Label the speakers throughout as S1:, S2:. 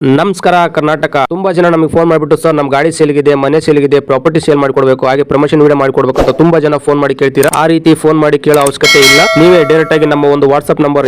S1: ನಮಸ್ಕಾರ ಕರ್ನಾಟಕ. ತುಂಬಾ ಜನ ನಮಗೆ ಫೋನ್ ಮಾಡಿಬಿಟ್ಟು ಸರ್ ನಮ್ಮ ಗಾಡಿ ಸೇಲ್ಗಿದೆ, ಮನೆ ಸೇಲ್ಗಿದೆ, ಪ್ರಾಪರ್ಟಿ ಸೇಲ್ ಮಾಡಿಕೊಡ್ಬೇಕು, ಹಾಗೆ ಪ್ರಮೋಷನ್ ವಿಡಿಯೋ ಮಾಡಿಕೊಡ್ಬೇಕು ಅಂತ ತುಂಬಾ ಜನ ಫೋನ್ ಮಾಡಿ ಕೇಳ್ತೀರಾ. ಆ ರೀತಿ ಫೋನ್ ಮಾಡಿ ಕೇಳೋ ಅವಶ್ಯಕತೆ ಇಲ್ಲ. ನೀವೇ ಡೈರೆಕ್ಟ್ ಆಗಿ ನಮ್ಮ ಒಂದು ವಾಟ್ಸ್ಆಪ್ ನಂಬರ್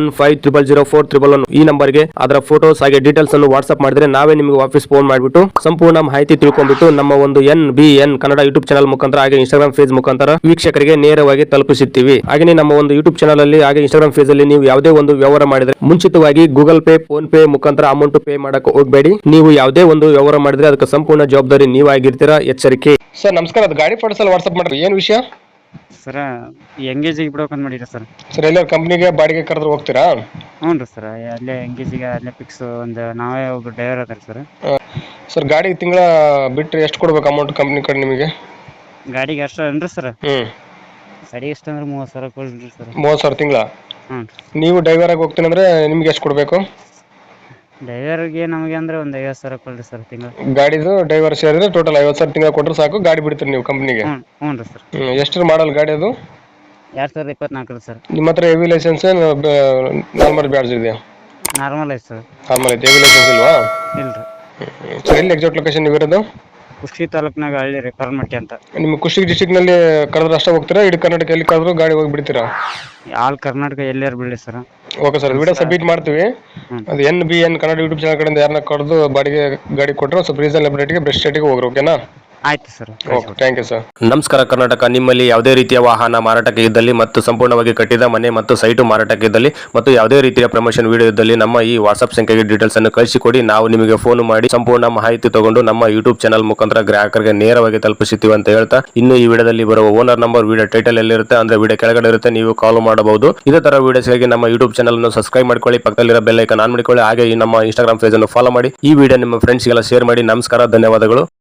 S1: 81500411 ಈ ನಂಬರ್ಗೆ ಅದರ ಫೋಟೋಸ್ ಹಾಗೆ ಡೀಟೇಲ್ಸ್ ಅನ್ನು ವಾಟ್ಸ್ಆಪ್ ಮಾಡಿದ್ರೆ ನಾವೇ ನಿಮಗೆ ವಾಪಸ್ ಫೋನ್ ಮಾಡಿಬಿಟ್ಟು ಸಂಪೂರ್ಣ ಮಾಹಿತಿ ತಿಳ್ಕೊಂಡ್ಬಿಟ್ಟು ನಮ್ಮ ಒಂದು NBN ಕನ್ನಡ ಯೂಟ್ಯೂಬ್ ಚಾನಲ್ ಮುಖಾಂತರ ಹಾಗೆ ಇನ್ಸ್ಟಾಗ್ರಾಮ್ ಪೇಜ್ ಮುಖಾಂತರ ವೀಕ್ಷಕರಿಗೆ ನೇರವಾಗಿ ತಲುಪಿಸುತ್ತೀವಿ. ಹಾಗೆ ನಮ್ಮ ಒಂದು ಯೂಟ್ಯೂಬ್ ಚಾನಲ್ ಅಲ್ಲಿ ಹಾಗೆ ಇನ್ಸ್ಟಾಗ್ರಾಮ್ ಪೇಜ್ ಅಲ್ಲಿ ನೀವು ಯಾವುದೇ ಒಂದು ವ್ಯವಹಾರ ಮಾಡಿದ್ರೆ ಮುಂಚಿತವಾಗಿ ಗೂಗಲ್ ಪೇ, ಫೋನ್ ಪೇ ಮುಖಾಂತರ ಅಮೌಂಟ್ ಪೇ ಮಾಡಕ್ಕೆ ಹೋಗಬೇಡಿ. ನೀವು ಯಾವುದೇ ಒಂದು ವ್ಯವಹಾರ ಮಾಡಿದ್ರೆ ಅದಕ್ಕೆ ಸಂಪೂರ್ಣ ಜವಾಬ್ದಾರಿ ನೀವಾಗಿರ್ತೀರಾ. ಎಚ್ಚರಿಕೆ. ಸರ್ ನಮಸ್ಕಾರ, ಅದು ಗಾಡಿ ಫೋಟೋಸ್ ಎಲ್ಲ ವಾಟ್ಸ್ಆಪ್ ಮಾಡ್ರಿ. ಏನು ವಿಷಯ
S2: ಸರ ಎಂಗೇಜಿಗೆ ಬಿಡ್ಬೇಕಂತ ಮಾಡಿರಿ ಸರ್.
S1: ಸರ್ ಎಲ್ಲರೂ ಕಂಪ್ನಿಗೆ ಬಾಡಿಗೆ ಕರೆದ್ರೆ ಹೋಗ್ತೀರಾ?
S2: ಹ್ಞೂ ರೀ ಸರ್, ಅಲ್ಲೇ ಎಂಗೇಜಿಗೆ ಅಲ್ಲೇ ಫಿಕ್ಸ್ ಒಂದು ನಾವೇ ಒಬ್ಬ ಡ್ರೈವರ್ ಅದಾರ ಸರ್.
S1: ಸರ್ ಗಾಡಿ ತಿಂಗಳ ಬಿಟ್ಟರೆ ಎಷ್ಟು ಕೊಡ್ಬೇಕು ಅಮೌಂಟ್ ಕಂಪ್ನಿ ಕಡೆ ನಿಮಗೆ?
S2: ಗಾಡಿಗೆ ಅಷ್ಟು ಅನ್ರಿ ಸರ್.
S1: ಹ್ಞೂ
S2: ಗಾಡಿ ಎಷ್ಟು ಅಂದ್ರೆ 30,000 ಕೊಡ್ರಿ ಸರ್.
S1: 30,000 ತಿಂಗಳ.
S2: ಹ್ಞೂ
S1: ನೀವು ಡ್ರೈವರ್ ಆಗಿ ಹೋಗ್ತೀನಿ ಅಂದ್ರೆ ನಿಮ್ಗೆ ಎಷ್ಟು ಕೊಡಬೇಕು?
S2: ಡ್ರೈವರ್ಗೆ ನಮಗೆ ಅಂದ್ರೆ ಒಂದು 50,000 ಕೊಡ್ರಿ ಸರ್ ತಿಂಗಳು.
S1: ಗಾಡಿದು ಡ್ರೈವರ್ ಸೇರಿದ್ರೆ ಟೋಟಲ್ 50,000 ತಿಂಗಳ ಕೊಟ್ಟರೆ ಸಾಕು, ಗಾಡಿ ಬಿಡ್ತೀರಿ ನೀವು ಕಂಪ್ನಿಗೆ?
S2: ಹ್ಞೂ ರೀ ಸರ್.
S1: ಎಷ್ಟು ಮಾಡಲ್ ಗಾಡಿ ಅದು?
S2: 2024 ರೀ ಸರ್.
S1: ನಿಮ್ಮ ಹತ್ರ ಹೆವಿ ಲೈಸೆನ್ಸ್ ನಾರ್ಮಲ್ ಬ್ಯಾಡ್ಜ್ ಇದೆಯಾ?
S2: ನಾರ್ಮಲ್ ಐತೆ ಸರ್.
S1: ನಾರ್ಮಲ್ ಐತೆ, ಹೆವಿ ಲೈಸೆನ್ಸ್ ಇಲ್ವಾ?
S2: ಇಲ್ಲ ರೀ.
S1: ಸರ್ ಎಲ್ಲಿ ಎಕ್ಸಾಕ್ಟ್ ಲೊಕೇಶನ್ ನೀವು ಇರೋದು?
S2: ಕುಷ್ಟಗಿ ತಾಲೂಕ್ನಾಗ ಹಳ್ಳಿ ರೀ, ಕರ್ಮಟ್ಟಿ ಅಂತ.
S1: ನಿಮ್ಮ ಕುಷ್ಟಗಿ ಡಿಸ್ಟಿಕ್ನಲ್ಲಿ ಕರೆದ್ರೆ ಅಷ್ಟೇ ಹೋಗ್ತೀರಾ? ಇಡೀ ಕರ್ನಾಟಕ ಎಲ್ಲಿ ಕರೆದ್ರು ಗಾಡಿ ಹೋಗಿ ಬಿಡ್ತೀರಾ?
S2: ಆಲ್ ಕರ್ನಾಟಕ ಎಲ್ಲಾರು ಬಿಡಿ sir.
S1: Okay sir, video submit ಮಾಡ್ತೀವಿ. ಅದು NBN ಕನ್ನಡ ಯೂಟ್ಯೂಬ್ ಚಾನಲ್ ಕಡೆಯಿಂದ ಯಾರನ್ನ ಕರೆದು ಬಾಡಿಗೆ ಗಾಡಿ ಕೊಟ್ಟರೆ ಸ್ವಲ್ಪ ರೀಸನಬಲ್ ರೇಟ್ಗೆ ಬೆಸ್ಟ್ ರೇಟಿಗೆ ಹೋಗ್ರಿ. ಓಕೆನಾ?
S2: ಆಯ್ತು sir.
S1: Okay, thank you sir. ನಮಸ್ಕಾರ ಕರ್ನಾಟಕ. ನಿಮ್ಮಲ್ಲಿ ಯಾವುದೇ ರೀತಿಯ ವಾಹನ ಮಾರಾಟಕ್ಕೆ ಇದ್ದಲ್ಲಿ ಮತ್ತು ಸಂಪೂರ್ಣವಾಗಿ ಕಟ್ಟಿದ ಮನೆ ಮತ್ತು ಸೈಟು ಮಾರಾಟಕ್ಕೆ ಇದ್ದಲ್ಲಿ ಮತ್ತು ಯಾವುದೇ ರೀತಿಯ ಪ್ರಮೋಷನ್ ವಿಡಿಯೋ ಇದ್ದಲ್ಲಿ ನಮ್ಮ ಈ ವಾಟ್ಸ್ಆಪ್ ಸಂಖ್ಯೆಗೆ ಡೀಟೇಲ್ಸ್ ಅನ್ನು ಕಳಿಸಿಕೊಡಿ. ನಾವು ನಿಮಗೆ ಫೋನ್ ಮಾಡಿ ಸಂಪೂರ್ಣ ಮಾಹಿತಿ ತಗೊಂಡು ನಮ್ಮ ಯೂಟ್ಯೂಬ್ ಚಾನಲ್ ಮುಖಾಂತರ ಗ್ರಾಹಕರಿಗೆ ನೇರವಾಗಿ ತಲುಪಿಸುತ್ತೀವಿ ಅಂತ ಹೇಳ್ತಾ, ಇನ್ನು ಈ ವಿಡಿಯೋದಲ್ಲಿ ಬರುವ ಓನರ್ ನಂಬರ್ ವಿಡಿಯೋ ಟೈಟಲ್ ಎಲ್ಲಿರುತ್ತೆ ಅಂದ್ರೆ ವಿಡಿಯೋ ಕೆಳಗಡೆ ಇರುತ್ತೆ, ನೀವು ಕಾಲ್ ಮಾಡಬಹುದು. ಇದೇ ತರ ವಿಡಿಯೋಸ್ಗಾಗಿ ನಮ್ಮ ಯೂಟ್ಯೂಬ್ ಚಾನಲ್ ಅನ್ನು ಸಬ್ಸ್ಕ್ರೈಬ್ ಮಾಡ್ಕೊಳ್ಳಿ, ಪಕ್ಕದಲ್ಲಿರೋ ಬೆಲ್ ಐಕಾನ್ ಆನ್ ಮಾಡಿಕೊಳ್ಳಿ, ಹಾಗೆ ಈ ನಮ್ಮ ಇನ್ಸ್ಟಾಗ್ರಾಮ್ ಪೇಜ್ ಅನ್ನು ಫಾಲೋ ಮಾಡಿ. ಈ ವಿಡಿಯೋ ನಿಮ್ಮ ಫ್ರೆಂಡ್ಸ್ಗೆಲ್ಲ ಶೇರ್ ಮಾಡಿ. ನಮಸ್ಕಾರ, ಧನ್ಯವಾದಗಳು.